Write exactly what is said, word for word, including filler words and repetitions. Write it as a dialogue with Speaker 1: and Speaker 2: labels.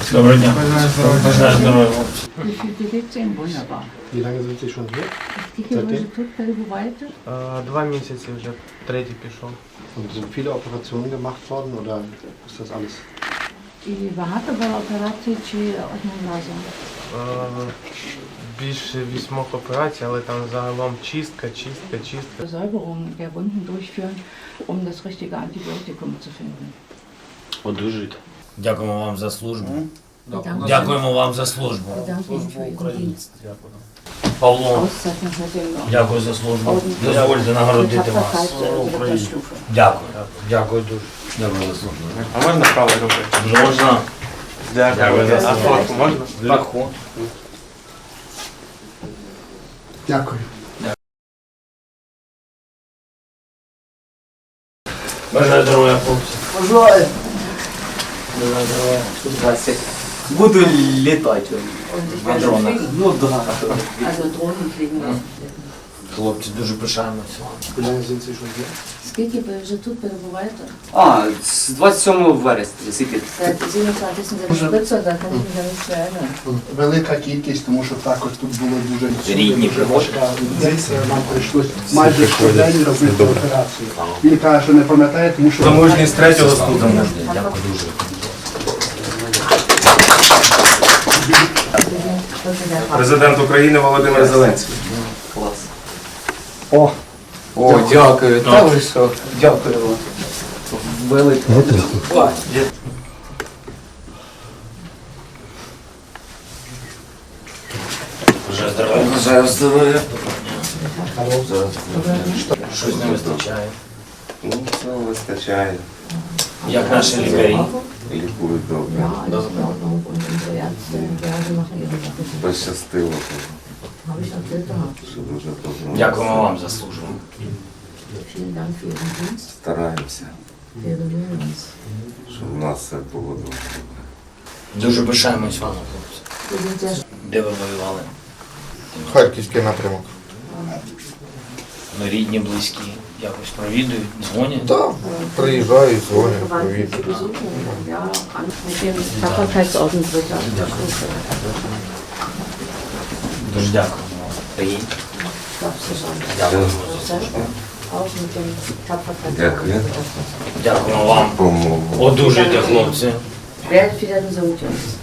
Speaker 1: Доброго дня. Бажаю здоров'я.
Speaker 2: Wie viel bewegt ihr? Wunderbar.
Speaker 3: Wie lange sind Sie schon hier?
Speaker 2: Скільки ви вже тут перебуваєте?
Speaker 4: Е, Два місяці вже, третій пішов.
Speaker 3: Und sind viele Operationen gemacht worden oder ist das alles?
Speaker 2: І багато було операцій чи одним разом?
Speaker 4: Е, Більше вісьмох операцій, але там загалом чистка, чистка, чистка.
Speaker 2: Säuberung der Wunden durchführen, um das richtige Antibiotikum zu finden.
Speaker 1: Одужуйте. Дякуємо вам за службу.
Speaker 2: Bedanke
Speaker 1: Дякуємо вам за службу.
Speaker 2: Bedanke Ihnen für Ihren Dienst.
Speaker 1: Павло,
Speaker 2: Auszeichnung mit dem
Speaker 1: дякую за службу.
Speaker 2: Orden
Speaker 1: Дозвольте
Speaker 2: der
Speaker 1: нагородити вас.
Speaker 2: Tapferkeit äh, dritter Stufe.
Speaker 1: Дякую. Дякую дуже. Дякую за службу.
Speaker 4: А можна правою рукою?
Speaker 1: Можна. Дякую за
Speaker 4: А
Speaker 1: службу.
Speaker 4: фотку можна?
Speaker 1: Легко.
Speaker 3: Дякую.
Speaker 1: Бажаю здоров'я, хлопці.
Speaker 5: Бажаю.
Speaker 1: Бажаю здоров'я.
Speaker 5: Здрасте. Буду літати.
Speaker 2: Und ich
Speaker 1: На
Speaker 2: werde
Speaker 1: дронах.
Speaker 2: fliegen.
Speaker 5: Ну да.
Speaker 2: Also Drohnen fliegen lassen.
Speaker 1: Хлопці, дуже пишаємося вами.
Speaker 3: Wie lange sind Sie schon hier?
Speaker 2: Скільки ви вже тут перебуваєте?
Speaker 5: А, з двадцять сьомого вересня, скільки?
Speaker 2: Seit siebenundzwanzigsten Spritzer, da kann ich mich ja nicht mehr erinnern.
Speaker 3: Велика кількість, тому що також тут було дуже
Speaker 1: Рідні
Speaker 3: пригодка. Десь нам прийшлось майже щодень робити операцію. Він каже, що не пам'ятає, тому що...
Speaker 4: Замужність третього ступеня.
Speaker 1: Дякую дуже.
Speaker 4: Президент України Володимир Зеленський.
Speaker 5: Клас.
Speaker 3: О,
Speaker 5: О, дякую. Та ви що? Дякую вам. Велике. О,
Speaker 1: Бажаю здоров'я.
Speaker 5: Бажаю здоров'я.
Speaker 1: Щось не вистачає.
Speaker 6: Ну, все вистачає,
Speaker 1: Як наші лікарі.
Speaker 6: лікують добре.
Speaker 2: Ja, alles in Ordnung. Und unsere Ärzte, ja, sie machen ihre Sache.
Speaker 6: Пощастило,
Speaker 2: Habe ich erzählt gehabt.
Speaker 6: що дуже добре.
Speaker 1: Дякуємо вам за службу.
Speaker 2: Vielen Dank für Ihren Dienst.
Speaker 6: Стараємося,
Speaker 2: Wir bemühen uns.
Speaker 6: щоб у нас все було добре.
Speaker 1: Дуже пишаємось вами, хлопці.
Speaker 2: Wir sind sehr
Speaker 1: Де ви воювали?
Speaker 7: Харківський напрямок.
Speaker 1: Ну, рідні, близькі, якось провідують, дзвонять.
Speaker 7: Так, приїжджають, дзвонять,
Speaker 2: Verwandten zu
Speaker 7: привіт.
Speaker 2: besuchen. Ja, an- mit dem Tapferkeitsorden dritter Stufe.
Speaker 1: Дуже дякуємо вам. Приїдь.
Speaker 2: Darfst du schon.
Speaker 1: Дякуємо.
Speaker 2: Selber. Auch mit dem Tapferkeitsorden
Speaker 6: Дякую.
Speaker 2: dritter Stufe.
Speaker 1: Дякуємо вам.
Speaker 6: Помогу.
Speaker 1: Одужуйте, хлопці.
Speaker 2: Werdet wieder gesund, Jungs.